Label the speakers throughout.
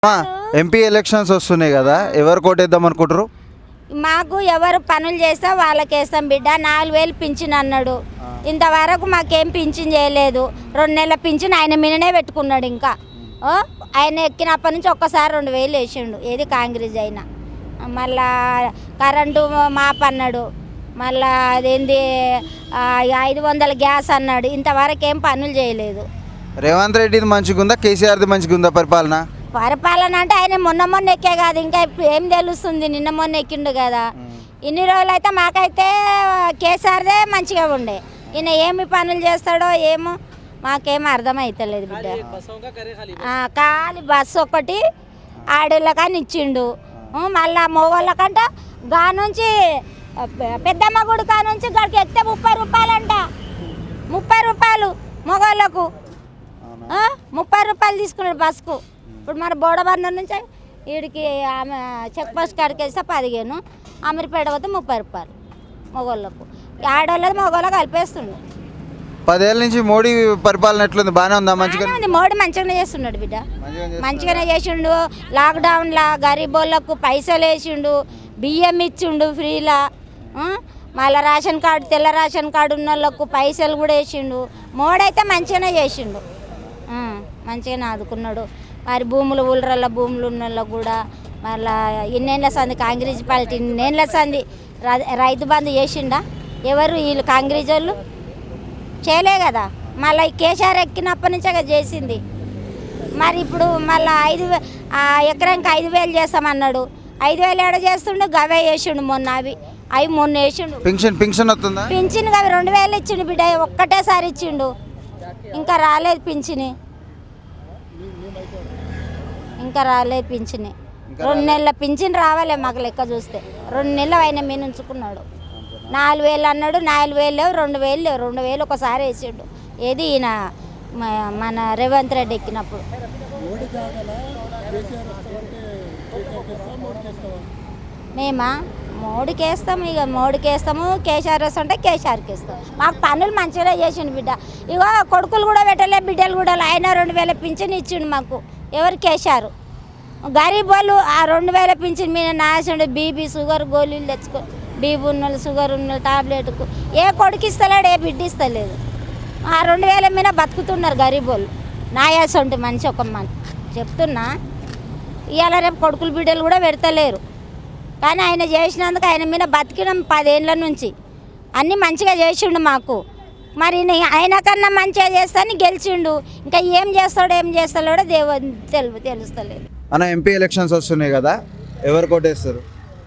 Speaker 1: MP elections వస్తున్నాయి కదా, ఎవరు కోటేద్దాం అనుకుంటారు?
Speaker 2: మాకు ఎవరు పనులు చేస్తే వాళ్ళకి వేస్తాం బిడ్డ. 4000 పింఛన్ అన్నాడు, ఇంతవరకు మాకేం పింఛన్ చేయలేదు. 2 నెలల పింఛన్ ఆయన మీదనే పెట్టుకున్నాడు. ఇంకా ఆయన ఎక్కినప్పటి నుంచి ఒక్కసారి 2000 వేసిండు. ఏది కాంగ్రెస్ అయినా. మళ్ళా కరెంటు మాప్ అన్నాడు, మళ్ళా అదేంది 500 గ్యాస్ అన్నాడు. ఇంతవరకు ఏం పనులు చేయలేదు.
Speaker 1: రేవంత్ రెడ్డిది మంచిగా ఉందా, కేసీఆర్ది మంచిగా ఉందా పరిపాలన?
Speaker 2: పరిపాలన అంటే ఆయన మొన్న ఎక్కే కాదు, ఇంకా ఏం తెలుస్తుంది. నిన్న ఎక్కిండు కదా. ఇన్ని రోజులు అయితే మాకైతే కేసీఆర్దే మంచిగా ఉండే. ఈయన ఏమి పనులు చేస్తాడో ఏమో మాకేం అర్థమవుతలేదు బిడ్డ. ఖాళీ బస్సు ఒకటి ఆడోళ్ళకని ఇచ్చిండు. మళ్ళా మొగోళ్ళకంట గా నుంచి పెద్దమ్మ గుడి కా నుంచి గడికి ఎక్కితే 30 రూపాయలంట. 30 రూపాయలు మొగోళ్ళకు, 30 రూపాయలు తీసుకున్నాడు బస్సుకు. ఇప్పుడు మన బోడబందర్ నుంచి వీడికి ఆమె చెక్ పోస్ట్ కాడికి వేస్తే 15, అమీర్పేట పోతే 30 రూపాయలు మొగోళ్ళకు. ఆడోళ్ళది మొగోళ్ళకి కలిపేస్తుండు.
Speaker 1: 10 ఏళ్ళ నుంచి మోడీ పరిపాలన ఎట్లుంది? బాగానే ఉందా? మంచిగా
Speaker 2: ఉంది. మోడీ మంచిగానే చేస్తున్నాడు బిడ్డ, మంచిగానే చేసిండు. లాక్డౌన్లో గరీబోళ్ళకు పైసలు వేసిండు, బియ్యం ఇచ్చిండు ఫ్రీలా. మళ్ళీ రేషన్ కార్డు, తెల్ల రేషన్ కార్డు ఉన్న వాళ్ళకు పైసలు కూడా వేసిండు. మోడీ అయితే మంచిగానే చేసిండు, మంచిగానే ఆదుకున్నాడు. మరి భూములు ఊళ్ళ భూములు ఉన్న వాళ్ళకు కూడా మళ్ళీ ఇన్నేళ్ళ సంది కాంగ్రెస్ పార్టీ ఇన్నేళ్ళ సంది రైతు బంధు చేసిండా? ఎవరు వీళ్ళు కాంగ్రెస్ వాళ్ళు చేయలే కదా. మళ్ళీ కేసీఆర్ ఎక్కినప్పటి నుంచే చేసింది. మరి ఇప్పుడు మళ్ళీ ఎకరానికి 5000 చేస్తామన్నాడు. 5000 ఏడ చేస్తుండు, గవే వేసిండు. అవి మొన్న వేసిండు.
Speaker 1: పింఛన్ వస్తుందా?
Speaker 2: పింఛన్ అవి 2000 ఇచ్చిండు బిడ్డ, ఒక్కటేసారి ఇచ్చిండు. ఇంకా రాలేదు పింఛని, ఇంకా రాలేదు పింఛని. 2 నెలల పింఛన్ రావాలి మాకు లెక్క చూస్తే. 2 నెలలు ఆయన మీద ఉంచుకున్నాడు. 4000 అన్నాడు, 4000 లేవు, 2000 లేవు. 2000 ఒకసారి వేసిండు. ఏది ఈయన మన రేవంత్ రెడ్డి ఎక్కినప్పుడు. మేమా మోడీకి వేస్తాం, ఇక మోడీకి వేస్తాము. కేసీఆర్ వస్తుంటే కేసీఆర్కి వేస్తాం. మాకు పనులు మంచిగా చేసిండు బిడ్డ. ఇగో కొడుకులు కూడా పెట్టలే, బిడ్డలు కూడా. ఆయన 2000 పింఛన్ ఇచ్చిండు మాకు. ఎవరు? కేసీఆర్. గరీబ్ వాళ్ళు ఆ 2000 పింఛన్ మీద నాసిండు. బీపీ షుగర్ గోళీలు తెచ్చుకో, బీపీ ఉన్న షుగర్ ఉన్న టాబ్లెట్కు ఏ కొడుకు ఇస్తలేడు, ఏ బిడ్డ ఇస్తలేదు. ఆ 2000 మీద బతుకుతున్నారు గరీబ్ వాళ్ళు. నాయాసంటి మనిషి ఒక చెప్తున్నా. ఇవాళ రేపు కొడుకులు బిడ్డలు కూడా పెడతలేరు. కానీ ఆయన చేసినందుకు ఆయన మీద బతికినాం 10 ఏళ్ళ నుంచి. అన్నీ మంచిగా చేసిండు మాకు. మరి ఆయన కన్నా మంచిగా చేస్తాను గెలిచిండు. ఇంకా ఏం చేస్తాడో తెలుస్తలేదు.
Speaker 1: అన్న, ఎంపీ ఎలక్షన్స్ వస్తున్నాయి కదా, ఎవరు కోటేస్తారు?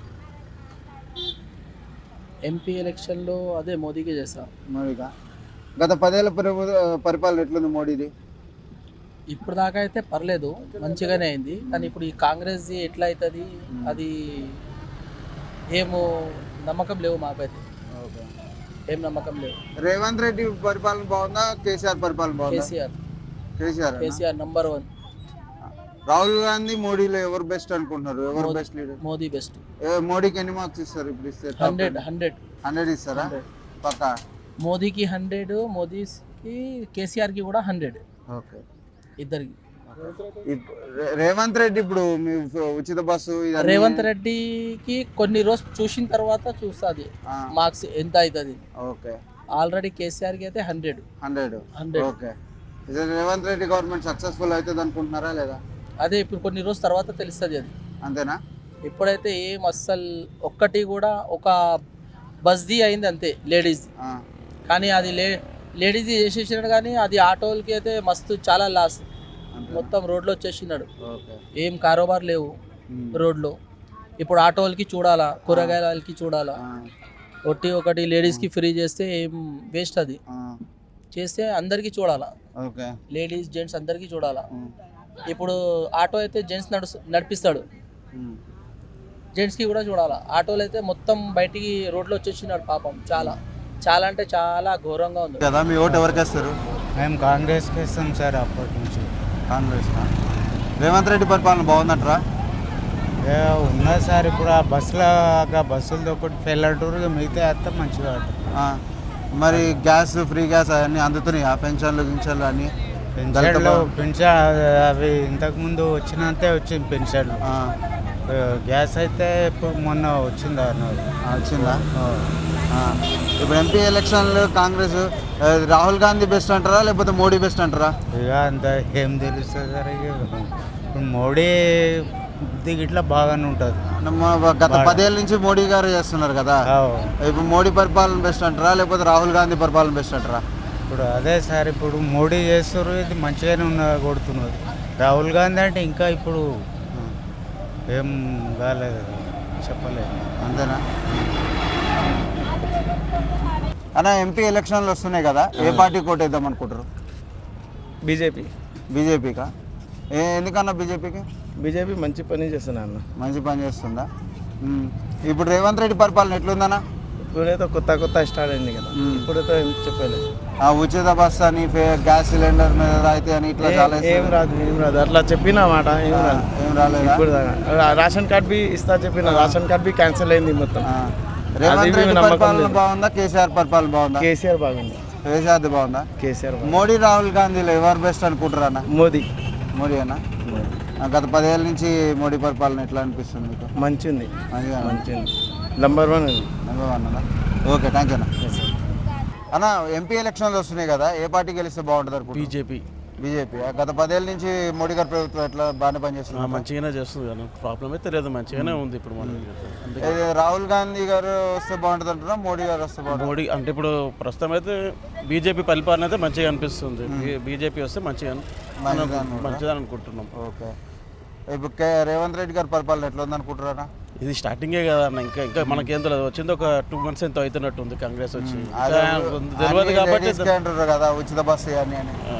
Speaker 3: ఎంపీ ఎలక్షన్లో అదే మోదీకే చేస్తాం.
Speaker 1: మోడీగా. గత 10 ఏళ్ళ పరిపాలన ఎట్లుంది మోడీది?
Speaker 3: ఇప్పుడు దాకా అయితే పర్లేదు, మంచిగానే అయింది. కానీ ఇప్పుడు ఈ కాంగ్రెస్ది ఎట్లా అవుతుంది అది ఏమో నమ్మకం లేవు మాకైతే. ఏం నమ్మకం లేవు.
Speaker 1: రేవంత్ రెడ్డి పరిపాలన బాగుందా, కేసీఆర్ పరిపాలన బాగుందా?
Speaker 3: కేసీఆర్ నంబర్ 1.
Speaker 1: రాహుల్ గాంధీ మోడీలో ఎవరు బెస్ట్ అనుకుంటున్నారు? ఎవరు బెస్ట్ లీడర్?
Speaker 3: మోదీ బెస్ట్.
Speaker 1: మోడీకి ఎన్ని మార్క్స్ ఇస్తారు ఇప్పుడు? ఇస్తే 100 ఇస్తారా? పక్కా.
Speaker 3: మోదీకి 100, మోదీకి కేసీఆర్కి కూడా 100.
Speaker 1: ఓకే,
Speaker 3: ఇద్దరికి.
Speaker 1: రేవంత్ రెడ్డి ఇప్పుడు ఉచిత బస్సు,
Speaker 3: రేవంత్ రెడ్డికి కొన్ని రోజులు చూసిన తర్వాత చూస్తుంది మార్క్స్ ఎంత అవుతుంది.
Speaker 1: ఓకే.
Speaker 3: ఆల్రెడీ కేసీఆర్కి అయితే 100.
Speaker 1: Okay. Revanth Reddy government successful అవుతుంది అనుకుంటున్నారా లేదా?
Speaker 3: అదే ఇప్పుడు కొన్ని రోజుల తర్వాత తెలుస్తుంది అది.
Speaker 1: అంతేనా?
Speaker 3: ఇప్పుడైతే ఏం అస్సలు ఒక్కటి కూడా ఒక బస్ది అయింది అంతే, లేడీస్. కానీ అది లేడీస్ చేసేసినాడు. కానీ అది ఆటోలకి అయితే మస్తు చాలా లాస్. మొత్తం రోడ్లో వచ్చేసినాడు. ఏం కారోబార్ లేవు రోడ్లో. ఇప్పుడు ఆటోలకి చూడాలా, కూరగాయలకి చూడాలా. ఒకటి లేడీస్కి ఫ్రీ చేస్తే ఏం వేస్ట్. అది చేస్తే అందరికీ చూడాలా, లేడీస్ జెంట్స్ అందరికీ చూడాలా. ఇప్పుడు ఆటో అయితే జెంట్స్ నడిపిస్తాడు, జెంట్స్కి కూడా చూడాలా. ఆటోలు అయితే మొత్తం బయటికి రోడ్లో వచ్చేసినాడు పాపం. చాలా అంటే చాలా ఘోరంగా ఉంది
Speaker 1: కదా. మీ ఓటు ఎవరికి వేస్తారు?
Speaker 4: మేము కాంగ్రెస్కి ఇస్తాం సార్ అప్పటి నుంచి.
Speaker 1: కాంగ్రెస్. రేవంత్ రెడ్డి పరిపాలన బాగుందంటారా?
Speaker 4: ఉన్నది సార్. ఇప్పుడు ఆ బస్సులతో ఒకటి పెళ్ళటూరుగా మిగతా వేస్తే మంచిగా.
Speaker 1: మరి గ్యాస్, ఫ్రీ గ్యాస్ అవన్నీ అందుతున్నాయి, ఆ పెన్షన్లు గింఛన్లు అన్నీ
Speaker 4: పెన్షన్లు పెన్షన్ అవి ఇంతకుముందు వచ్చినంతే వచ్చింది పెన్షన్లు. గ్యాస్ అయితే ఇప్పుడు మొన్న వచ్చిందా
Speaker 1: వచ్చిందా? ఇప్పుడు ఎంపీ ఎలక్షన్లు కాంగ్రెస్ రాహుల్ గాంధీ బెస్ట్ అంటారా లేకపోతే మోడీ బెస్ట్ అంటారా?
Speaker 4: ఇక అంత ఏం తెలుస్తుంది సార్. ఇప్పుడు మోడీ ఇట్లా బాగానే ఉంటుంది.
Speaker 1: గత 10 ఏళ్ళ నుంచి మోడీ గారు చేస్తున్నారు కదా, ఇప్పుడు మోడీ పరిపాలన బెస్ట్ అంటారా లేకపోతే రాహుల్ గాంధీ పరిపాలన బెస్ట్ అంటారా?
Speaker 4: ఇప్పుడు అదే సార్, ఇప్పుడు మోడీ చేస్తారు, ఇది మంచిగానే కొడుతున్నారు. రాహుల్ గాంధీ అంటే ఇంకా ఇప్పుడు ఏం కాలేదు, చెప్పలేదు.
Speaker 1: అంతేనా అన్న? ఎంపీ ఎలక్షన్లు వస్తున్నాయి కదా, ఏ పార్టీ కోటేద్దాం అనుకుంటారు? బీజేపీకా? ఎందుకన్నా బీజేపీకి?
Speaker 5: బీజేపీ మంచి పని చేస్తున్నా అన్న.
Speaker 1: మంచి పని చేస్తుందా? ఇప్పుడు రేవంత్ రెడ్డి పరిపాలన ఎట్లుందన్నా?
Speaker 5: ఇప్పుడైతే కొత్త స్టార్ట్ అయింది కదా, ఇప్పుడైతే ఏం చెప్పలేదు.
Speaker 1: ఉచిత బస్ అని, గ్యాస్ సిలిండర్ మీద రాయితీ అని ఇట్లా చాలా
Speaker 5: ఏం రాదు అట్లా చెప్పిన మాట ఏం
Speaker 1: రాలేదు.
Speaker 5: ఇప్పుడు రేషన్ కార్డ్ బి ఇస్తా చెప్పిన, రేషన్ కార్డ్ బి క్యాన్సిల్ అయింది మొత్తం.
Speaker 1: రేవంత్ రెడ్డి పరిపాలన బాగుందా కేసీఆర్ పరిపాలన బాగుందా?
Speaker 5: కేసీఆర్ బాగుంది.
Speaker 1: కేసీఆర్ బాగుందా?
Speaker 5: కేసీఆర్
Speaker 1: మోడీ రాహుల్ గాంధీలో ఎవరు బెస్ట్ అనుకుంటారా అన్న?
Speaker 5: మోదీ
Speaker 1: అన్న? గత 10 ఏళ్ళ నుంచి మోడీ పరిపాలన ఎట్లా అనిపిస్తుంది మీకు?
Speaker 5: మంచిది నెంబర్ 1
Speaker 1: అన్న. ఓకే, థ్యాంక్ యూ అన్న. ఎంపీ ఎలక్షన్లు వస్తున్నాయి కదా, ఏ పార్టీ గెలిస్తే బాగుంటుంది అనుకుంటున్నారు? బీజేపీ. గత 10 ఏళ్ళ నుంచి మోడీ గారి ప్రభుత్వం ఎట్లా బాగానే పనిచేస్తుంది?
Speaker 6: మంచిగానే చేస్తుంది కదా, ప్రాబ్లం అయితే లేదు, మంచిగానే ఉంది ఇప్పుడు మనకి.
Speaker 1: రాహుల్ గాంధీ గారు వస్తే బాగుంటుంది అంటున్నా, మోడీ గారు వస్తే బాగుంటుంది?
Speaker 6: మోడీ అంటే ఇప్పుడు ప్రస్తుతం అయితే బీజేపీ పరిపాలన అయితే మంచిగా అనిపిస్తుంది. బీజేపీ వస్తే మంచిదని అనుకుంటున్నాం.
Speaker 1: ఓకే, ఇప్పుడు రేవంత్ రెడ్డి గారి పరిపాలన ఎట్లా ఉంది అనుకుంటారా?
Speaker 6: ఇది స్టార్టింగే కదా అన్న, ఇంకా మనకేం తెలియదు. వచ్చింది ఒక 2 months ఎంతో అవుతున్నట్టు ఉంది కాంగ్రెస్ వచ్చి, తెలియదు కాబట్టి
Speaker 1: అంటారు కదా ఉచిత బస్సు అని.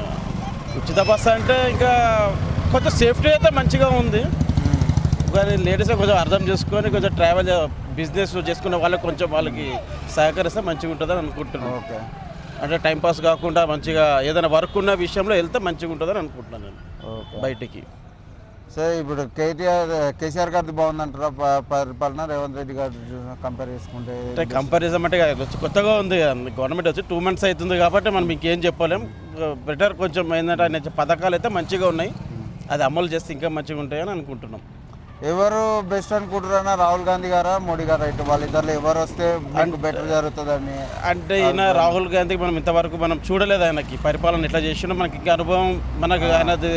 Speaker 6: ఉచిత బస్సు అంటే ఇంకా కొంచెం సేఫ్టీ అయితే మంచిగా ఉంది, కానీ లేడీస్ కొంచెం అర్థం చేసుకొని కొంచెం ట్రావెల్ బిజినెస్ చేసుకునే వాళ్ళకి కొంచెం వాళ్ళకి సహకరిస్తే మంచిగా ఉంటుందని అనుకుంటున్నాను.
Speaker 1: ఓకే,
Speaker 6: అంటే టైంపాస్ కాకుండా మంచిగా ఏదైనా వర్క్ ఉన్న విషయంలో వెళ్తే మంచిగా ఉంటుందని అనుకుంటున్నాను నేను బయటికి.
Speaker 1: సరే, ఇప్పుడు కేసీఆర్ గారిది బాగుందంటారా పరిపాలన రేవంత్ రెడ్డి గారు కంపేర్ చేసుకుంటే?
Speaker 6: అంటే కంపారిజన్ అంటే కొత్తగా ఉంది గవర్నమెంట్ వచ్చి 2 months అవుతుంది కాబట్టి మనం ఇంకేం చెప్పలేం. బెటర్ కొంచెం ఏంటంటే ఆయన పథకాలు అయితే మంచిగా ఉన్నాయి, అది అమలు చేస్తే ఇంకా మంచిగా ఉంటాయని అనుకుంటున్నాం.
Speaker 1: ఎవరు బెస్ట్ అనుకుంటారన్నా, రాహుల్ గాంధీ గారా మోడీ గారా? ఇటు వాళ్ళిద్దరు ఎవరు వస్తే బెటర్ జరుగుతుందని?
Speaker 6: అంటే ఈయన రాహుల్ గాంధీకి మనం ఇంతవరకు మనం చూడలేదు, ఆయనకి పరిపాలన ఎట్లా చేసినా మనకి ఇంకా అనుభవం మనకు ఆయనది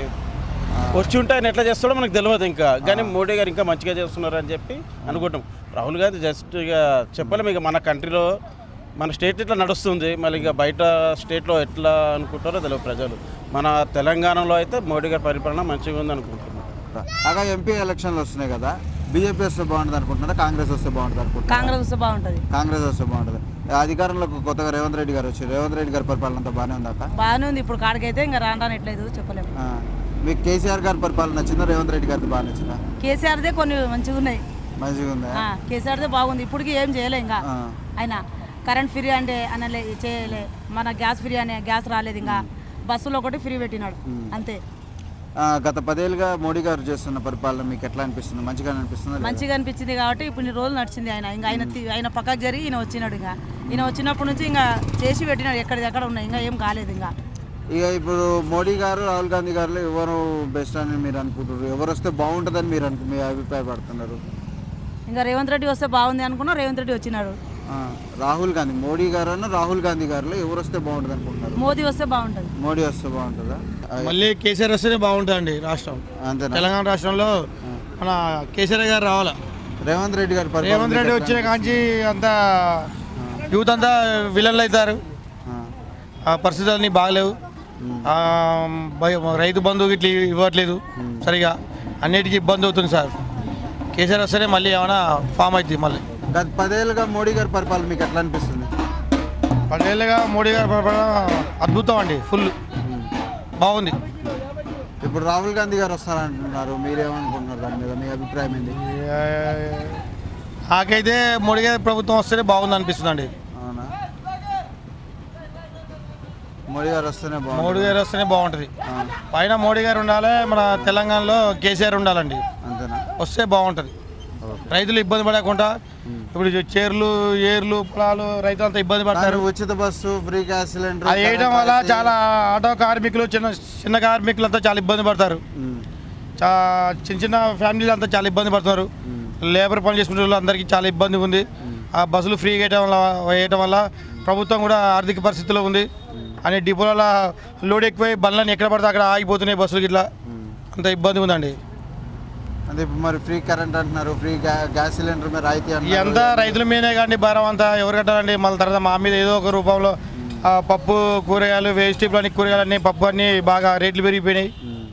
Speaker 6: వచ్చి ఉంటే ఆయన ఎట్లా చేస్తాడో మనకు తెలియదు ఇంకా. కానీ మోడీ గారు ఇంకా మంచిగా చేస్తున్నారు అని చెప్పి అనుకుంటాం. రాహుల్ గాంధీ జస్ట్ ఇక చెప్పలేము, ఇక మన కంట్రీలో మన స్టేట్ ఇట్లా నడుస్తుంది, మళ్ళీ ఇక బయట స్టేట్లో ఎట్లా అనుకుంటారో తెలియదు ప్రజలు. మన తెలంగాణలో అయితే మోడీ గారి పరిపాలన మంచిగా ఉంది అనుకుంటున్నాం.
Speaker 1: అలా ఎంపీ ఎలక్షన్లు వస్తున్నాయి కదా, బీజేపీ వస్తే బాగుంటుంది అనుకుంటున్నారా, కాంగ్రెస్ వస్తే బాగుంటుంది అనుకుంటున్నారా?
Speaker 7: కాంగ్రెస్ వస్తే బాగుంటుంది.
Speaker 1: కాంగ్రెస్ వస్తే బాగుంటుంది. అధికారంలోకి కొత్తగా రేవంత్ రెడ్డి గారు వచ్చి, రేవంత్ రెడ్డి గారి పరిపాలన అంతా బాగానే ఉంది అక్క?
Speaker 7: బాగానే ఉంది, ఇప్పుడు కాడికైతే ఇంకా రానట్లేదు చెప్పలేము.
Speaker 1: మీకు కేసీఆర్ గారి పరిపాలన నచ్చిందా, రేవంత్ రెడ్డి గారిది బాగా నచ్చిందా?
Speaker 7: కేసీఆర్దే కొన్ని మంచిగా ఉన్నాయి.
Speaker 1: మంచిగా ఉందా?
Speaker 7: కేసీఆర్దే బాగుంది, ఇప్పటికి ఏం చేయలే ఇంకా. ఆయన కరెంట్ ఫ్రీ అంటే అనలే, చేయలే. మన గ్యాస్ ఫ్రీ అనే గ్యాస్ రాలేదు, ఇంకా బస్సులో ఒకటి ఫ్రీ పెట్టినాడు అంతే.
Speaker 1: గత 10 ఏళ్ళుగా మోడీ గారు చేస్తున్న పరిపాలన మీకు ఎట్లా అనిపిస్తుంది? మంచిగా అనిపిస్తుంది?
Speaker 7: మంచిగా అనిపించింది కాబట్టి ఇప్పుడు ఇన్ని రోజులు నడిచింది. ఇంకా ఆయన పక్కకు జరిగి ఈయన వచ్చినాడు. ఇంకా ఈయన వచ్చినప్పటి నుంచి ఇంకా చేసి పెట్టినాడు, ఎక్కడిదెక్కడ ఉన్నాయి, ఇంకా ఏం కాలేదు. ఇంకా
Speaker 1: ఇప్పుడు మోడీ గారు రాహుల్ గాంధీ గారు ఎవరు బెస్ట్ అని మీరు అనుకుంటున్నారు? ఎవరు వస్తే బాగుంటుందని మీ అభిప్రాయపడుతున్నారు?
Speaker 7: ఇంకా రేవంత్ రెడ్డి వస్తే బాగుంది అనుకున్నా, రేవంత్ రెడ్డి వచ్చినాడు.
Speaker 1: రాహుల్ గాంధీ, మోడీ గారు రాహుల్ గాంధీ గారిలో ఎవరు వస్తే బాగుంటుంది అనుకుంటున్నారు?
Speaker 7: మోదీ వస్తే బాగుంటుంది.
Speaker 1: మోడీ వస్తే బాగుంటుందా?
Speaker 8: మళ్ళీ కేసీఆర్ వస్తేనే బాగుంటుందండి రాష్ట్రం.
Speaker 1: అంతేనా?
Speaker 8: తెలంగాణ రాష్ట్రంలో మన కేసీఆర్ గారు రావాలా.
Speaker 1: రేవంత్ రెడ్డి గారు
Speaker 8: వచ్చిన కాంచి అంతా యూత్ అంతా విలన్లు అవుతారు, ఆ పరిస్థితులన్నీ బాగలేవు. రైతు బంధువు ఇట్లా ఇవ్వట్లేదు సరిగా, అన్నిటికీ ఇబ్బంది అవుతుంది సార్. కేసీఆర్ వస్తేనే మళ్ళీ ఏమైనా ఫామ్ అవుతుంది. మళ్ళీ
Speaker 1: గత 10 ఏళ్ళుగా మోడీ గారి పరిపాలన మీకు ఎట్లా అనిపిస్తుంది?
Speaker 8: 10 ఏళ్ళుగా మోడీ గారి పరిపాలన అద్భుతం అండి, ఫుల్ బాగుంది.
Speaker 1: ఇప్పుడు రాహుల్ గాంధీ గారు వస్తారంటున్నారు, మీరేమనుకుంటున్నారు దాని మీద? మీ అభిప్రాయం ఏంటి?
Speaker 8: నాకైతే మోడీ గారి ప్రభుత్వం వస్తేనే బాగుంది అనిపిస్తుంది అండి.
Speaker 1: అవునా? మోడీ గారు వస్తేనే బాగుంటుంది.
Speaker 8: మోడీ గారు వస్తేనే బాగుంటుంది. పైన మోడీ గారు ఉండాలి, మన తెలంగాణలో కేసీఆర్ ఉండాలండి.
Speaker 1: అంతేనా?
Speaker 8: వస్తే బాగుంటుంది. రైతులు ఇబ్బంది పడకుండా ఇప్పుడు చేర్లు ఏర్లు పొలాలు రైతులంతా ఇబ్బంది పడతారు.
Speaker 1: ఉచిత బస్సు, ఫ్రీ గ్యాస్ సిలిండర్
Speaker 8: అది వేయడం వల్ల చాలా ఆటో కార్మికులు, చిన్న కార్మికులు అంతా చాలా ఇబ్బంది పడతారు. చిన్న చిన్న ఫ్యామిలీలు అంతా చాలా ఇబ్బంది పడుతున్నారు. లేబర్ పని చేసుకునే వాళ్ళు అందరికీ చాలా ఇబ్బంది ఉంది. ఆ బస్సులు ఫ్రీ వేయటం వల్ల ప్రభుత్వం కూడా ఆర్థిక పరిస్థితిలో ఉంది. అనే డిపోల లోడ్ ఎక్కువై బండ్లని ఎక్కడ పడితే అక్కడ ఆగిపోతున్నాయి బస్సులు. ఇట్లా అంత ఇబ్బంది ఉందండి.
Speaker 1: అదే మరి ఫ్రీ కరెంట్ అంటున్నారు, ఫ్రీ గ్యాస్ సిలిండర్ మీద రాయితీ
Speaker 8: అంతా రైతుల మీదే కానీ భారం అంతా ఎవరు కట్టాలండి? మళ్ళీ తర్వాత మా మీద ఏదో ఒక రూపంలో పప్పు, కూరగాయలు, వెజిటేబుల్ అన్ని కూరగాయలన్నీ, పప్పు అన్నీ బాగా రేట్లు పెరిగిపోయినాయి.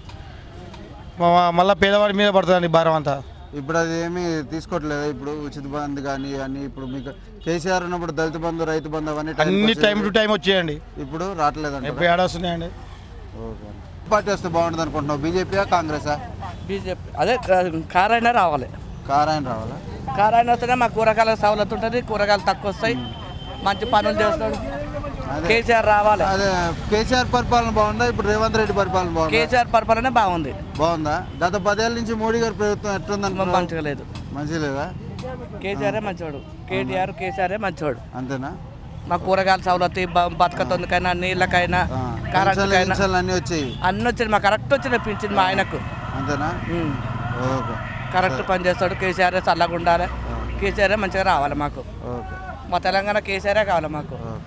Speaker 8: మళ్ళీ పేదవాడి మీద పడుతుందండి భారం అంతా.
Speaker 1: ఇప్పుడు అది ఏమీ తీసుకోవట్లేదు. ఇప్పుడు ఉచిత బంధు కానీ అన్ని ఇప్పుడు మీకు కేసీఆర్ ఉన్నప్పుడు దళిత బంధు, రైతు బంధు అవన్నీ
Speaker 8: అన్ని టైం టు టైం వచ్చేయండి.
Speaker 1: ఇప్పుడు రావట్లేదండి.
Speaker 8: ఎప్పుడు ఏడాస్తున్నాయండి.
Speaker 1: ఓకే. పార్టీ వస్తే బాగుంటుంది అనుకుంటున్నావు? బీజేపీయా, కాంగ్రెసా?
Speaker 3: బీజేపీ అదే కార్ అయినా రావాలి.
Speaker 1: కార్ ఆయన రావాలా?
Speaker 3: కార్ అయినా వస్తేనే మాకు కూరగాయల సవలతు ఉంటుంది, కూరగాయలు తక్కువ వస్తాయి, మంచి పనులు చేస్తాడు. కేసీఆర్ రావాలి.
Speaker 1: అదే కేసీఆర్ పరిపాలన బాగుందా? ఇప్పుడు రేవంత్ రెడ్డి పరిపాలన బాగుందా?
Speaker 3: కేసీఆర్ పరిపాలన బాగుంది.
Speaker 1: బాగుందా? గత 10 ఏళ్ళ నుంచి మోడీ గారి ప్రభుత్వం ఎట్లుంది?
Speaker 3: మంచిగా లేదు.
Speaker 1: మంచిగా లేదా?
Speaker 3: కేసీఆరే మంచివాడు, కేటీఆర్ కేసీఆరే మంచివాడు.
Speaker 1: అంతేనా?
Speaker 3: మా కూరగాయల సవలతు, బతకతొందుకైనా, నీళ్ళకైనా, కరెంట్కైనా
Speaker 1: అన్నీ వచ్చాయి.
Speaker 3: అన్నీ వచ్చింది. మా కరెక్ట్ వచ్చిన పింఛన్ మా ఆయనకు.
Speaker 1: అంతేనా? ఓకే.
Speaker 3: కరెక్ట్ పని చేస్తాడు. కేసీఆర్ చల్లగా ఉండాలి, కేసీఆర్ మంచిగా రావాలి మాకు.
Speaker 1: ఓకే.
Speaker 3: మా తెలంగాణ కేసీఆర్ కావాలి మాకు.
Speaker 1: ఓకే.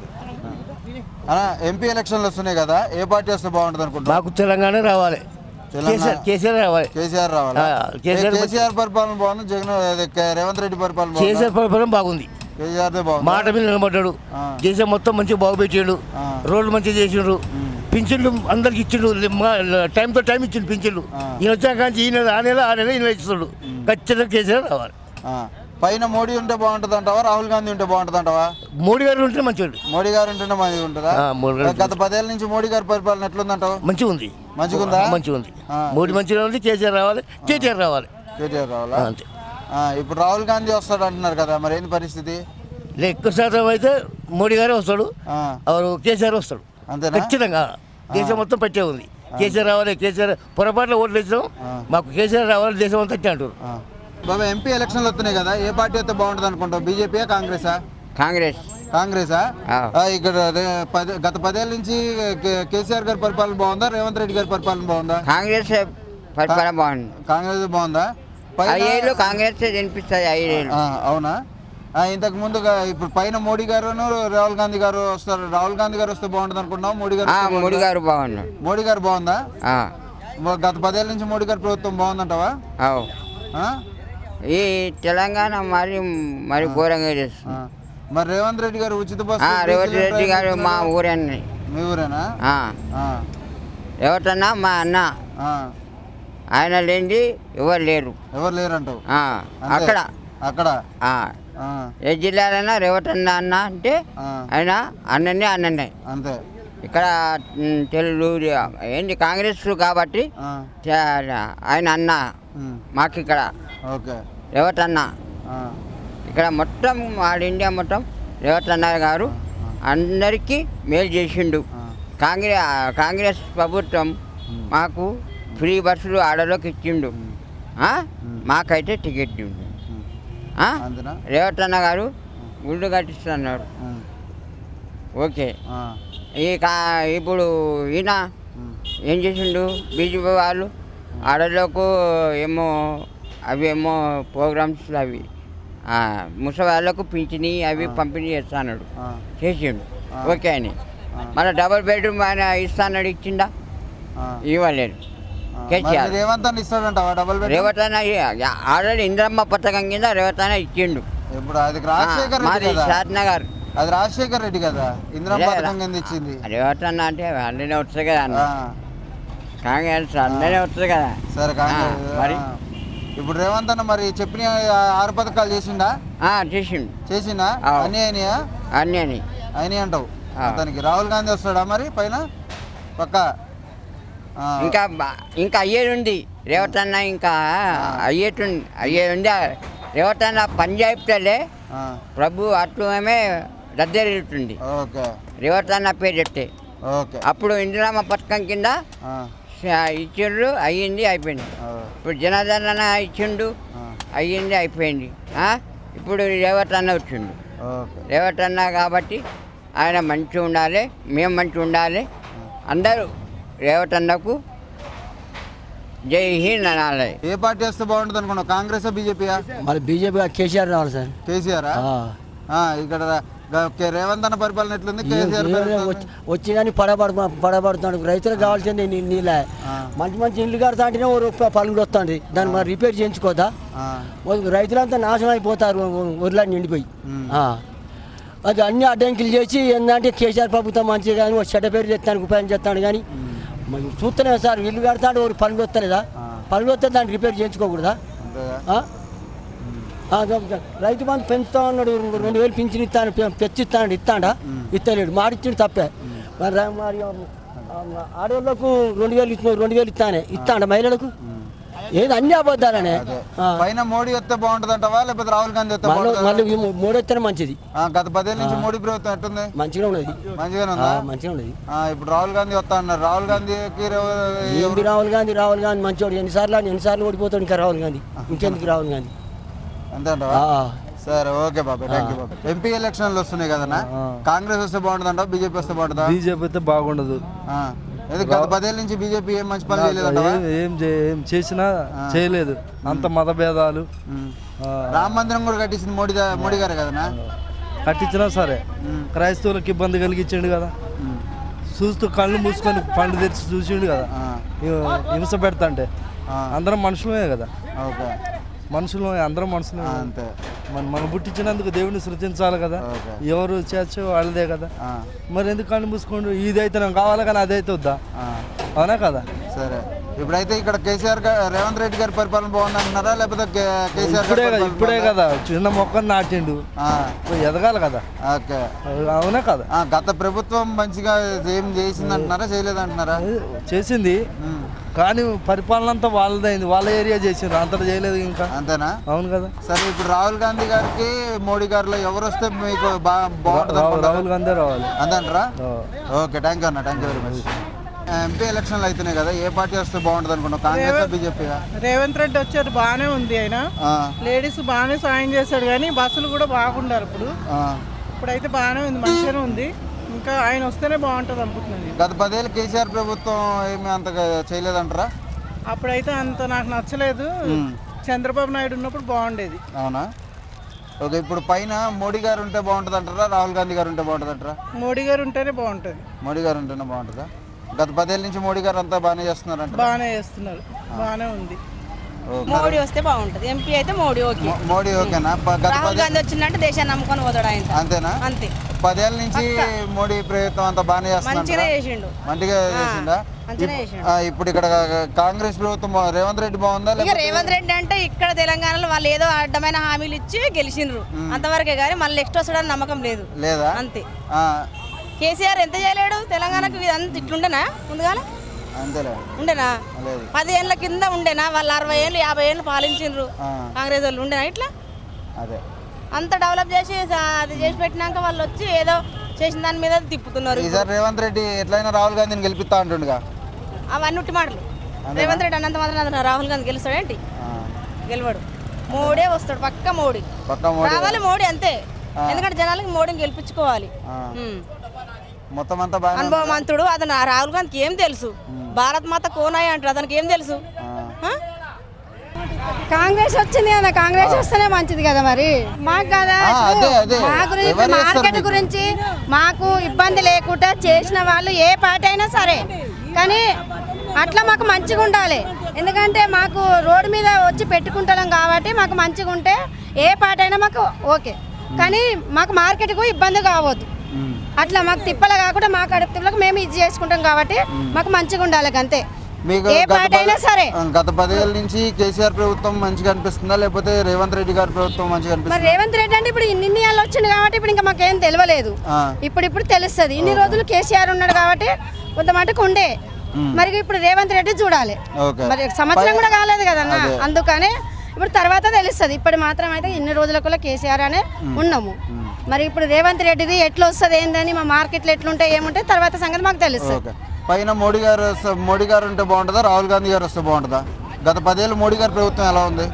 Speaker 1: ఎంపీ ఎలక్షన్లు వస్తున్నాయి కదా, ఏ పార్టీ వస్తే బాగుంటుంది అనుకుంటున్నా?
Speaker 9: మాకు తెలంగాణ రావాలి, కేసీఆర్ రావాలి.
Speaker 1: కేసీఆర్ రావాలి. కేసీఆర్ పరిపాలన బాగుంది, జగన్ రేవంత్ రెడ్డి పరిపాలన
Speaker 9: కేసీఆర్ పరిపాలన బాగుంది.
Speaker 1: కేసీఆర్ బాగుంది.
Speaker 9: మాట మీద నిలబడ్డాడు. దేశం మొత్తం మంచిగా బాగుపెట్టాడు. రోడ్లు మంచిగా చేసిండ్రు. పింఛన్లు అందరికి ఇచ్చిండు, టైం తో టైం ఇచ్చిండు పింఛన్లు. ఈయన వచ్చాక ఈయన ఆ నెల ఈయన ఇస్తున్నాడు. ఖచ్చితంగా కేసీఆర్ రావాలి.
Speaker 1: పైన మోడీ ఉంటే బాగుంటుంది అంటావా, రాహుల్ గాంధీ ఉంటే బాగుంటుంది అంటావా?
Speaker 9: మోడీ గారు ఉంటే మంచివాడు.
Speaker 1: మోడీ గారు ఉంటేనే మంచిగా ఉంటుందా? గత 10 ఏళ్ళ నుంచి మోడీ గారి పరిపాలన ఎట్లుందంటావు?
Speaker 9: మంచిగా ఉంది.
Speaker 1: మంచిగా ఉందా?
Speaker 9: మంచిగా ఉంది. మోడీ మంచిగా ఉంది. కేసీఆర్ రావాలి, కేటీఆర్ రావాలి.
Speaker 1: కేటీఆర్ రావాలా?
Speaker 9: అంతే.
Speaker 1: ఇప్పుడు రాహుల్ గాంధీ వస్తాడు అంటున్నారు కదా, మరి ఏంది పరిస్థితి?
Speaker 9: ఎక్కువ శాతం అయితే మోడీ గారే వస్తాడు, కేసీఆర్ వస్తాడు.
Speaker 1: అంతేనా?
Speaker 9: ఖచ్చితంగా దేశం మొత్తం పట్టే ఉంది. కేసీఆర్ రావాలి. కేసీఆర్ పొరపాటులో ఓట్లు వేసాం, మాకు కేసీఆర్ రావాలి, దేశం అంతా అంటారు.
Speaker 1: బాబా, ఎంపీ ఎలక్షన్లు వస్తున్నాయి కదా, ఏ పార్టీ అయితే బాగుంటుంది అనుకుంటావు? బీజేపీయా, కాంగ్రెసా? కాంగ్రెసా? ఇక్కడ గత 10 ఏళ్ళ నుంచి కేసీఆర్ గారి పరిపాలన బాగుందా, రేవంత్ రెడ్డి గారి పరిపాలన బాగుందా?
Speaker 10: కాంగ్రెస్ పరిపాలన బాగుంది.
Speaker 1: కాంగ్రెస్ బాగుందా?
Speaker 10: కాంగ్రెస్ వినిపిస్తుంది.
Speaker 1: అవునా? ఇంతకు ముందుగా ఇప్పుడు పైన మోడీ గారు, రాహుల్ గాంధీ గారు వస్తారు. రాహుల్ గాంధీ గారు వస్తే బాగుంటుంది అనుకుంటున్నావు? మోడీ గారు
Speaker 10: బాగున్నారు.
Speaker 1: మోడీ గారు బాగుందా? గత 10 ఏళ్ళ నుంచి మోడీ గారి ప్రభుత్వం బాగుందంటావా?
Speaker 10: ఈ తెలంగాణ మరి ఘోరంగా చేస్తుంది.
Speaker 1: మరి రేవంత్ రెడ్డి గారు ఉచిత బస్సు,
Speaker 10: రేవంత్ రెడ్డి గారు మా ఊరండి.
Speaker 1: మీ ఊరేనా?
Speaker 10: ఎవరన్నా మా అన్న, ఆయన లేనిది ఎవరు లేరు.
Speaker 1: ఎవరు లేరు అంటావు?
Speaker 10: అక్కడ
Speaker 1: అక్కడ
Speaker 10: ఏ జిల్లాలైనా రేవతన్న అన్న అంటే ఆయన అన్ననే
Speaker 1: అంతే.
Speaker 10: ఇక్కడ తెలుగు ఏంటి కాంగ్రెస్ కాబట్టి ఆయన అన్న మాకు ఇక్కడ రేవతన్న. ఇక్కడ మొత్తం ఆల్ ఇండియా మొత్తం రేవతన్న గారు అందరికీ మేలు చేసిండు. కాంగ్రెస్ ప్రభుత్వం మాకు ఫ్రీ బస్సులు ఆడలోకి ఇచ్చిండు. మాకైతే టికెట్ ఉంది. రేవతన్న గారు గుళ్ళు కట్టిస్తున్నారు. ఓకే. ఇప్పుడు ఈయన ఏం చేసిండు? బీజేపీ వాళ్ళు ఆడలోకి ఏమో ప్రోగ్రామ్స్ అవి ముసలి వాళ్ళకు పింఛని అవి పంపిణీ చేస్తాడు, చేసిండు. ఓకే అని మళ్ళీ డబుల్ బెడ్రూమ్ ఆయన ఇస్తాడు, ఇచ్చిండా? ఇవ్వలేదు. రేవతన్న ఆల్రెడీ ఇంద్రమ్మ పథకం కింద రేవతన్న ఇచ్చిండు. షాద్నగర్
Speaker 1: అది రాజశేఖర్ రెడ్డి కదా ఇంద్రమ్మ పథకం కింద ఇచ్చింది.
Speaker 10: రేవతన్న అంటే అందరినీ వస్తుంది కదా అన్న, కాంగ్రెస్ అందరినీ వస్తుంది కదా.
Speaker 1: సరే మరి ఇప్పుడు రేవంత్ అన్న మరి చెప్పిన 6 పథకాలు చేసిండా? చేసిండా? అన్నీ అయినాయా?
Speaker 10: అన్నీ
Speaker 1: అయినాయి అంటావు. అతనికి రాహుల్ గాంధీ వస్తాడా మరి పైన పక్క?
Speaker 10: ఇంకా అయ్యేది రేవతన్న, ఇంకా అయ్యేది రేవతన్న పంజాబ్తలే ప్రభు అట్లమే దద్దరిల్లుతుంది రేవతన్న పేరు చెప్తే. అప్పుడు ఇందిరామ పథకం కింద ఇచ్చిండ్రు, అయ్యింది, అయిపోయింది. ఇప్పుడు జనార్దన ఇచ్చిండు, అయ్యింది అయిపోయింది. ఇప్పుడు రేవంత్ అన్న వచ్చిండు.
Speaker 1: ఓకే.
Speaker 10: రేవంత్ అన్న కాబట్టి ఆయన మంచిగా ఉండాలి, మేము మంచిగా ఉండాలి. అందరూ రేవంత్ అన్నకు జై హింద్ అనాలి.
Speaker 1: ఏ పార్టీ వస్తే బాగుంటుంది అనుకున్నావు? కాంగ్రెస్ బీజేపీయా?
Speaker 9: మరి బీజేపీ కేసీఆర్ రావాలి సార్.
Speaker 1: కేసీఆర్ ఇక్కడ రేవంత్ అన్న పరిపాలన ఎట్లుంది? కేసీఆర్
Speaker 9: వచ్చి కానీ పడబడుతున్నాడు. రైతులకు కావాల్సింది నీళ్ళ మంచి మంచి ఇల్లు కడతా అంటేనే ఓ రూపాయి పనులు వస్తుంది. దాన్ని మరి రిపేర్ చేయించుకోదా? రైతులంతా నాశనం అయిపోతారు ఊర్లో నిండిపోయి. అది అన్ని అడ్డంకిలు చేసి ఏంటంటే కేసీఆర్ ప్రభుత్వం మంచిగా కానీ చెడ్డ పేరు చేస్తానికి ఉపాయం చేస్తాడు. కానీ చూస్తలేము సార్, ఇల్లు కడతాడు ఓ పనులు వస్తలేదా? పనులు వస్తే దాన్ని రిపేర్ చేయించుకోకూడదా? రైతు బంధు పెంచుతా ఉన్నాడు, 2000 పింఛన్ ఇస్తాను తెచ్చిస్తాడు, ఇస్తాడా? ఇస్తలేడు, మాడిచ్చిండు తప్పే. మరి ఆడవాళ్ళకు 2000 ఇస్తున్నాడు, 2000 ఇస్తాడా మహిళలకు? ఏది అన్ని అబద్ధాలనే.
Speaker 1: పైన మోడీ వస్తే బాగుంటుంది అంటావా లేకపోతే రాహుల్ గాంధీ వస్తే
Speaker 9: మళ్ళీ మోడీ వస్తేనే మంచిది.
Speaker 1: గత 10 ఏళ్ళ నుంచి మోడీ ప్రభుత్వం ఎట్టుంది?
Speaker 9: మంచిగా ఉన్నది.
Speaker 1: మంచిగానే ఉందా?
Speaker 9: మంచిగా ఉన్నది.
Speaker 1: ఇప్పుడు రాహుల్ గాంధీ వస్తా అన్నారు. రాహుల్ గాంధీకి
Speaker 9: రాహుల్ గాంధీ మంచివాడు. ఎన్నిసార్లు ఓడిపోతాడు ఇంకా రాహుల్ గాంధీ? ఇంకెందుకు రాహుల్ గాంధీ?
Speaker 1: అంతే అంటావా? సరే, ఓకే బాబాయ్, థ్యాంక్ యూ బాబాయ్. ఎంపీ ఎలక్షన్లు వస్తున్నాయి కదన్నా, కాంగ్రెస్ వస్తే బాగుంటుంది అంటావా బీజేపీ వస్తే బాగుంటుందా?
Speaker 11: బీజేపీ అయితే బాగుండదు.
Speaker 1: గత 10 ఏళ్ళ నుంచి బీజేపీ ఏం మంచి పని చేయలేదు.
Speaker 11: ఏం చేసినా చేయలేదు. అంత మతభేదాలు.
Speaker 1: రామ మందిరం కూడా కట్టించింది మోడీ గారే కదనా?
Speaker 11: కట్టించినా సరే క్రైస్తవులకు ఇబ్బంది కలిగించిండు కదా. చూస్తూ కళ్ళు మూసుకొని పండు తెరిచి చూసిండు కదా. హింస పెడతా అంటే అందరం మనుషులమే కదా.
Speaker 1: ఓకే,
Speaker 11: మనుషులు అందరం మనుషులు.
Speaker 1: అంతే.
Speaker 11: మనం పుట్టించినందుకు దేవుడిని సృష్టించాలి కదా. ఎవరు చేర్చో వాళ్ళదే కదా. మరి ఎందుకు కళ్ళు మూసుకోండి? ఇది అయితే నాకు కావాలి కానీ అదైతే వద్దా? అవునా కదా?
Speaker 1: సరే, ఇప్పుడైతే ఇక్కడ కేసీఆర్ రేవంత్ రెడ్డి గారి పరిపాలన బాగుంది అంటున్నారా లేకపోతే కేసీఆర్?
Speaker 11: ఇప్పుడే కదా చిన్న మొక్కను నాటిండు, ఎదగాలి కదా.
Speaker 1: ఓకే,
Speaker 11: అవునా కదా?
Speaker 1: గత ప్రభుత్వం మంచిగా ఏం చేసింది అంటున్నారా చేయలేదు అంటున్నారా?
Speaker 11: చేసింది కానీ పరిపాలన అంతా వాళ్ళదైంది, వాళ్ళ ఏరియా చేసిండ్రు, అంతటా చేయలేదు ఇంకా.
Speaker 1: అంతేనా?
Speaker 11: అవును కదా.
Speaker 1: సరే, ఇప్పుడు రాహుల్ గాంధీ గారికి మోడీ గారిలో ఎవరు వస్తే మీకు బాగుంటుంది?
Speaker 11: రాహుల్ గాంధీ రావాలి
Speaker 1: అంతేంటారా? ఓకే, థ్యాంక్ యూ అన్న, thank you very much. MP ఎలక్షన్లు అవుతున్నాయి కదా, ఏ పార్టీ వస్తే బాగుంటుంది అనుకున్నావు? కాంగ్రెస్ బీజేపీ?
Speaker 12: రేవంత్ రెడ్డి వచ్చారు, బాగానే ఉంది. ఆయన లేడీస్ బాగానే సాయం చేశాడు కానీ బస్సులు కూడా బాగుండారు. ఇప్పుడైతే బాగానే ఉంది, మంచిగానే ఉంది. ఇంకా ఆయన వస్తేనే బాగుంటుంది అనుకుంటున్నాను.
Speaker 1: గత 10 ఏళ్ళు కేసీఆర్ ప్రభుత్వం ఏమి అంతగా చేయలేదంటారా?
Speaker 12: అప్పుడైతే అంత నాకు నచ్చలేదు. చంద్రబాబు నాయుడు ఉన్నప్పుడు బాగుండేది.
Speaker 1: అవునా? ఓకే, ఇప్పుడు పైన మోడీ గారు ఉంటే బాగుంటుంది అంటారా రాహుల్ గాంధీ గారు ఉంటే బాగుంటుంది అంటారా?
Speaker 12: మోడీ గారు ఉంటేనే బాగుంటుంది.
Speaker 1: మోడీ గారు ఉంటేనే బాగుంటుందా? గత 10 ఏళ్ళ నుంచి మోడీ గారు అంతా బాగానే చేస్తున్నారంట.
Speaker 12: బాగానే చేస్తున్నారు, బాగానే ఉంది.
Speaker 7: మోడీ వస్తే బాగుంటుంది. ఎంపీ అయితే మోడీ ఓకే.
Speaker 1: మోడీ ఓకేనా?
Speaker 7: రాహుల్ గాంధీ వచ్చిందంటే దేశాన్ని నమ్ముకొని పోతాడు ఆయన.
Speaker 1: అంతేనా?
Speaker 7: అంతే.
Speaker 1: 10 ఏళ్ళ నుంచి మోడీ ప్రభుత్వం అంతా బాగానే చేస్తున్నారు.
Speaker 7: మంచిగా చేసిండు.
Speaker 1: మంచిగా చేసిందా? ఇప్పుడు ఇక్కడ కాంగ్రెస్ ప్రభుత్వం రేవంత్ రెడ్డి బాగుందా?
Speaker 7: రేవంత్ రెడ్డి అంటే ఇక్కడ తెలంగాణలో వాళ్ళు ఏదో అడ్డమైన హామీలు ఇచ్చి గెలిచిండ్రు అంతవరకే కానీ మళ్ళీ నెక్స్ట్ వస్తాడని నమ్మకం లేదు.
Speaker 1: లేదా?
Speaker 7: అంతే. కేసీఆర్ ఎంత చేయలేడు తెలంగాణకు? అంత ఇట్లుండేనా ముందుగా? ఉండేనా? 10 ఏళ్ళ కింద ఉండేనా? వాళ్ళు 60 ఏళ్ళు 50 ఏళ్ళు పాలించిండ్రు కాంగ్రెస్ వాళ్ళు. ఉండేనా ఇట్లా? అంత డెవలప్ చేసి అది చేసి పెట్టినాక వాళ్ళు వచ్చి ఏదో చేసిన దాని మీద తిప్పుతున్నారు.
Speaker 1: ఈసారి రేవంత్ రెడ్డి ఎట్లయినా రాహుల్ గాంధీని గెలిపిస్తా అంటుండగా.
Speaker 7: అవన్నీ ఉట్టి మాటలు. రేవంత్ రెడ్డి అన్నంత మాత్రం రాహుల్ గాంధీ గెలుస్తాడేంటి? గెలవడు. మోడీ వస్తాడు, పక్క మోడీ రావాలి. మోడీ అంతే. ఎందుకంటే జనాలకి మోడీని గెలిపించుకోవాలి.
Speaker 1: మొత్తం అంతా
Speaker 7: అనుభవమంతుడు అతను. రాహుల్ గాంధీకి ఏం తెలుసు? భారత్ మాత కోనాయి అంటారు, అతనికి ఏం తెలుసు?
Speaker 2: కాంగ్రెస్ వచ్చింది కదా, కాంగ్రెస్ వస్తేనే మంచిది కదా. మరి మాకు కదా మా గురించి మార్కెట్ గురించి మాకు ఇబ్బంది లేకుండా చేసిన వాళ్ళు ఏ పార్టీ అయినా సరే, కానీ అట్లా మాకు మంచిగా ఉండాలి. ఎందుకంటే మాకు రోడ్డు మీద వచ్చి పెట్టుకుంటాం కాబట్టి మాకు మంచిగా ఉంటే ఏ పార్టీ అయినా మాకు ఓకే. కానీ మాకు మార్కెట్కు ఇబ్బంది కావద్దు. అట్లా మాకు తిప్పలు కాకుండా మా కడుపు తిప్పలకు మేము ఇది చేసుకుంటాం కాబట్టి మాకు మంచిగా ఉండాలి అంతే. ఏ పార్టీ అయినా సరే.
Speaker 1: గత 10 ఏళ్ళ నుంచి కేసీఆర్ ప్రభుత్వం మంచిగా అనిపిస్తుందా లేకపోతే రేవంత్ రెడ్డి గారి ప్రభుత్వం మంచిగా అనిపిస్తుందా?
Speaker 2: మరి రేవంత్ రెడ్డి అంటే ఇప్పుడు ఇన్ని ఏళ్ళు వచ్చింది కాబట్టి ఇప్పుడు ఇంకా మాకేం తెలియలేదు. ఇప్పుడు తెలుస్తుంది. ఇన్ని రోజులు కేసీఆర్ ఉన్నాడు కాబట్టి కొంత మటుకు ఉండే. మరి ఇప్పుడు రేవంత్ రెడ్డి చూడాలి. మరి సంవత్సరం కూడా కాలేదు కదన్నా, అందుకనే ఇప్పుడు తర్వాత తెలుస్తుంది. ఇప్పుడు మాత్రం అయితే ఇన్ని రోజులకు కేసీఆర్ అనే ఉన్నాము. మరి ఇప్పుడు రేవంత్ రెడ్డిది ఎట్లా వస్తుంది ఏందని మా మార్కెట్లో ఎట్లుంటాయి ఏముంటాయి తర్వాత సంగతి మాకు తెలుస్తుంది.
Speaker 1: పైన మోడీ గారు ఉంటే బాగుంటుందా రాహుల్ గాంధీ గారు వస్తే బాగుంటుందా? గత 10 ఏళ్ళు మోడీ గారి ప్రభుత్వం ఎలా ఉంది?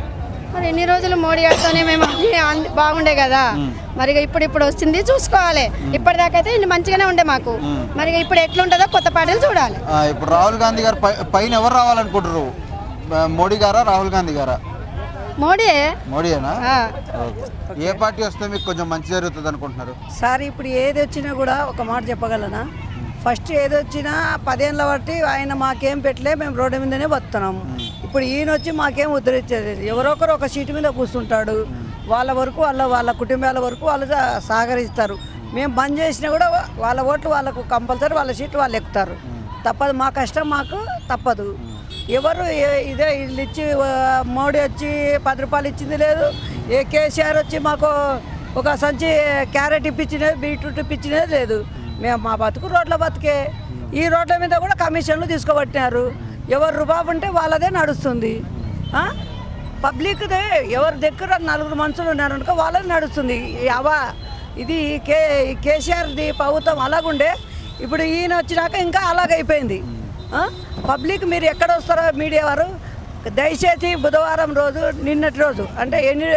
Speaker 13: మరి ఎన్ని రోజులు మోడీ గారితోనే మేము అన్ని బాగుండే కదా, మరి ఇప్పుడు వచ్చింది చూసుకోవాలి. ఇప్పటిదాకా అయితే ఇన్ని మంచిగానే ఉండే మాకు, మరి ఇప్పుడు ఎట్లుంటుందో కొత్త పార్టీలు చూడాలి.
Speaker 1: ఇప్పుడు రాహుల్ గాంధీ గారు పైన ఎవరు రావాలనుకుంటారు? మోడీ గారా రాహుల్ గాంధీ గారా? మోడీయేనా? ఏ పార్టీ వస్తే మీకు కొంచెం మంచి జరుగుతుంది అనుకుంటున్నారు?
Speaker 14: సార్ ఇప్పుడు ఏది వచ్చినా కూడా ఒక మాట చెప్పగలనా, ఫస్ట్ ఏది వచ్చినా 10 ఏళ్ళ బట్టి ఆయన మాకేం పెట్టలే, మేము రోడ్డు మీదనే బతున్నాము. ఇప్పుడు ఈయన వచ్చి మాకేం ఉద్ధరించేది, ఎవరో ఒకరు ఒక సీటు మీద కూర్చుంటాడు, వాళ్ళ వరకు వాళ్ళ కుటుంబాల వరకు వాళ్ళు సహకరిస్తారు. మేము బంద్ చేసినా కూడా వాళ్ళ ఓట్లు వాళ్ళకు కంపల్సరీ, వాళ్ళ సీట్లు వాళ్ళు ఎక్కుతారు. తప్పదు, మా కష్టం మాకు తప్పదు. ఎవరు ఇదే ఇల్లు ఇచ్చి మోడీ వచ్చి 10 రూపాయలు ఇచ్చింది లేదు, ఏ కేసీఆర్ వచ్చి మాకు ఒక సంచి క్యారెట్ ఇప్పించినది, బీట్రూట్ ఇప్పించినది లేదు. మేము మా బతుకు రోడ్ల బతుకే. ఈ రోడ్ల మీద కూడా కమిషన్లు తీసుకోబట్టినారు. ఎవరు రూపాయి ఉంటే వాళ్ళదే నడుస్తుంది. పబ్లిక్దే ఎవరి దగ్గర 4 మనుషులు ఉన్నారనుకో వాళ్ళది నడుస్తుంది. ఇది కేసీఆర్ది ప్రభుత్వం అలాగుండే, ఇప్పుడు ఈయన వచ్చినాక ఇంకా అలాగైపోయింది. పబ్లిక్ మీరు ఎక్కడ వస్తారో మీడియా వారు దయచేసి బుధవారం రోజు నిన్నటి రోజు అంటే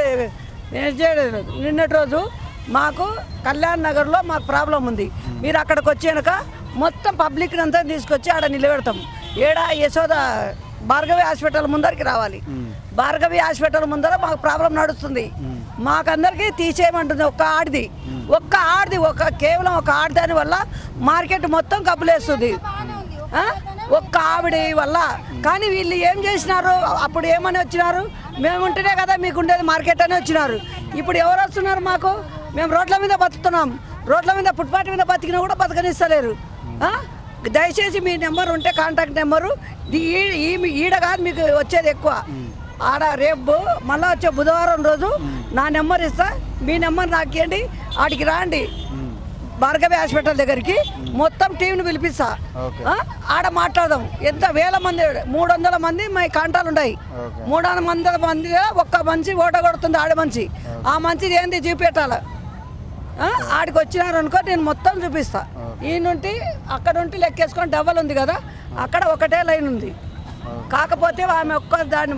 Speaker 14: నిన్నటి రోజు మాకు కళ్యాణ్ నగర్లో మాకు ప్రాబ్లం ఉంది. మీరు అక్కడికి వచ్చాక మొత్తం పబ్లిక్ అంతా తీసుకొచ్చి ఆడ నిలబెడతాం. యశోద భార్గవి హాస్పిటల్ ముందరికి రావాలి. భార్గవి హాస్పిటల్ ముందర మాకు ప్రాబ్లం నడుస్తుంది. మాకందరికీ తీసేయమంటుంది ఒక్క ఆడిది కేవలం ఒక ఆడదాని వల్ల మార్కెట్ మొత్తం కబ్బులేస్తుంది, ఒక్క ఆవిడ వల్ల. కానీ వీళ్ళు ఏం చేసినారు, అప్పుడు ఏమని వచ్చినారు, మేము ఉంటేనే కదా మీకు ఉండేది మార్కెట్ అని వచ్చినారు. ఇప్పుడు ఎవరు వస్తున్నారు మాకు? మేము రోడ్ల మీద బతుకుతున్నాం, రోడ్ల మీద ఫుట్పాత్ మీద బతికినా కూడా బతకనిస్తలేరు. దయచేసి మీ నెంబర్ ఉంటే కాంటాక్ట్ నెంబరు ఈడ కాదు మీకు వచ్చేది ఎక్కువ, ఆడ రేపు మళ్ళీ వచ్చే బుధవారం రోజు నా నెంబర్ ఇస్తా, మీ నెంబర్ నాకు ఇవ్వండి, ఆడికి రాండి భార్గవి హాస్పిటల్ దగ్గరికి, మొత్తం టీంని పిలిపిస్తా, ఆడ మాట్లాడదాం. ఎంత వేల మంది, 300 మంది మా కాంటాలు ఉన్నాయి. 300 మంది ఒక్క మంచి ఓట కొడుతుంది ఆడ మంచి, ఆ మంచిది ఏంది చూపెట్టాల. ఆడికి వచ్చినారనుకో నేను మొత్తం చూపిస్తా. ఈ నుండి అక్కడ ఉండి లెక్కేసుకొని డబల్ ఉంది కదా, అక్కడ ఒకటే లైన్ ఉంది. కాకపోతే ఆమె దాని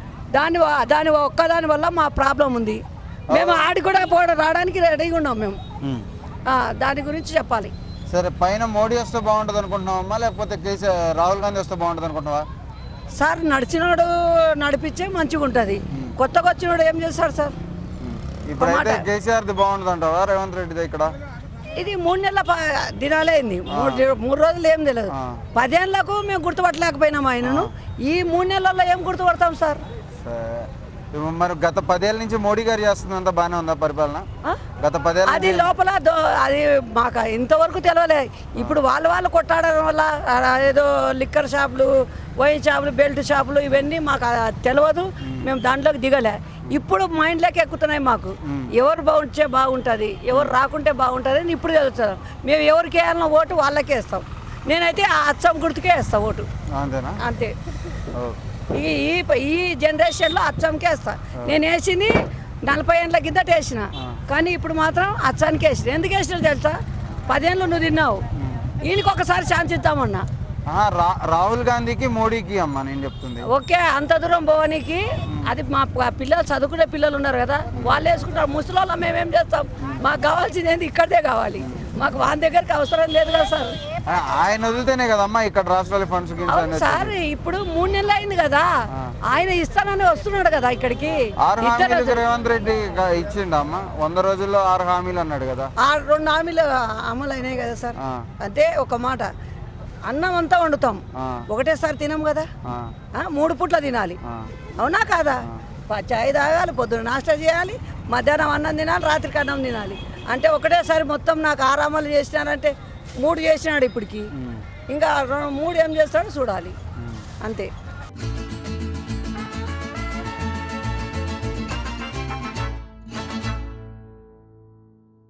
Speaker 14: వల్ల మా ప్రాబ్లం ఉంది. మేము ఆడి కూడా రావడానికి రెడీగా ఉన్నాం మేము. దాని గురించి చెప్పాలి.
Speaker 1: సరే, పైన మోడీ వస్తే బాగుంటుంది అనుకుంటున్నావా, లేకపోతే రాహుల్ గాంధీ వస్తే బాగుంటుంది అనుకుంటున్నావా?
Speaker 14: సార్ నడిచినోడు నడిపించే మంచిగా ఉంటుంది, కొత్తగా వచ్చినోడు ఏం చేస్తాడు సార్?
Speaker 1: ఇప్పుడైతే కేసీఆర్ది బాగుంటుంది అంటావా రేవంత్ రెడ్డిది? ఇక్కడ
Speaker 14: ఇది 3 నెలల దినాలే అయింది, 3 రోజులు ఏం తెలియదు. 10 ఏళ్ళకు మేము గుర్తుపట్టలేకపోయినాం ఆయనను. ఈ 3 నెలల్లో ఏం గుర్తుపడతాం సార్?
Speaker 1: మరి గత 10 ఏళ్ళ నుంచి మోడీ గారు చేస్తుంది అంతా బాగానే ఉందా పరిపాలన? గత 10 ఏళ్ళ
Speaker 14: అది లోపల అది మాకు ఇంతవరకు తెలియలే. ఇప్పుడు వాళ్ళు కొట్టాడడం వల్ల ఏదో లిక్కర్ షాపులు, వైన్ షాపులు, బెల్ట్ షాపులు ఇవన్నీ మాకు తెలియదు, మేము దాంట్లోకి దిగలే. ఇప్పుడు మైండ్లోకి ఎక్కుతున్నాయి మాకు. ఎవరు బాగుంటే బాగుంటుంది, ఎవరు రాకుంటే బాగుంటుంది అని ఇప్పుడు తెలుస్తాం. మేము ఎవరికి వేయాలన్న ఓటు వాళ్ళకే వేస్తాం. నేనైతే ఆ అచ్చం గుర్తుకే వేస్తాను ఓటు, అంతే. ఈ జనరేషన్లో అచ్చంకే వేస్తా. నేను వేసింది 40 ఏళ్ళ కిందట వేసిన, కానీ ఇప్పుడు మాత్రం అచ్చానికి వేసిన. ఎందుకు వేసినా తెలుసా? 10 ఏళ్ళు నువ్వు తిన్నావు, ఈయనకి ఒకసారి ఛాన్స్ ఇద్దామన్నా.
Speaker 1: రాహుల్ గాంధీకి మోడీకి అమ్మా నేను చెప్తుంది.
Speaker 14: ఓకే, అంత దూరం పోవడానికి అది మా పిల్లలు చదువుకునే పిల్లలు ఉన్నారు కదా, వాళ్ళు వేసుకుంటారు. ముసలి మేమేం చేస్తాం? మాకు కావాల్సింది ఏంటి? ఇక్కడే కావాలి మాకు, వాళ్ళ దగ్గరికి అవసరం లేదు కదా సార్.
Speaker 1: ఆయన వదిలితేనే కదమ్మా ఇక్కడ రాష్ట్రాల ఫండ్స్
Speaker 14: సార్. ఇప్పుడు 3 నెలలు అయింది కదా, ఆయన ఇస్తానని వస్తున్నాడు కదా ఇక్కడికి.
Speaker 1: 6 హామీలు రేవంత్ రెడ్డి ఇచ్చిండు అమ్మా, 100 రోజుల్లో 6 హామీలు అన్నాడు కదా.
Speaker 14: 2 హామీలు అమలు అయినాయి కదా సార్. అంటే ఒక మాట, అన్నం అంతా వండుతాం, ఒకటేసారి తినం కదా, 3 పూట్ల తినాలి, అవునా కాదా? చాయ్ తాగాలి, పొద్దున్న నాష్టా చేయాలి, మధ్యాహ్నం అన్నం తినాలి, రాత్రికి అన్నం తినాలి. అంటే ఒకటేసారి మొత్తం నాకు 6 అమలు చేసినానంటే 3 చేసినాడు ఇప్పటికి, ఇంకా 3 ఏం చేస్తాడో చూడాలి, అంతే.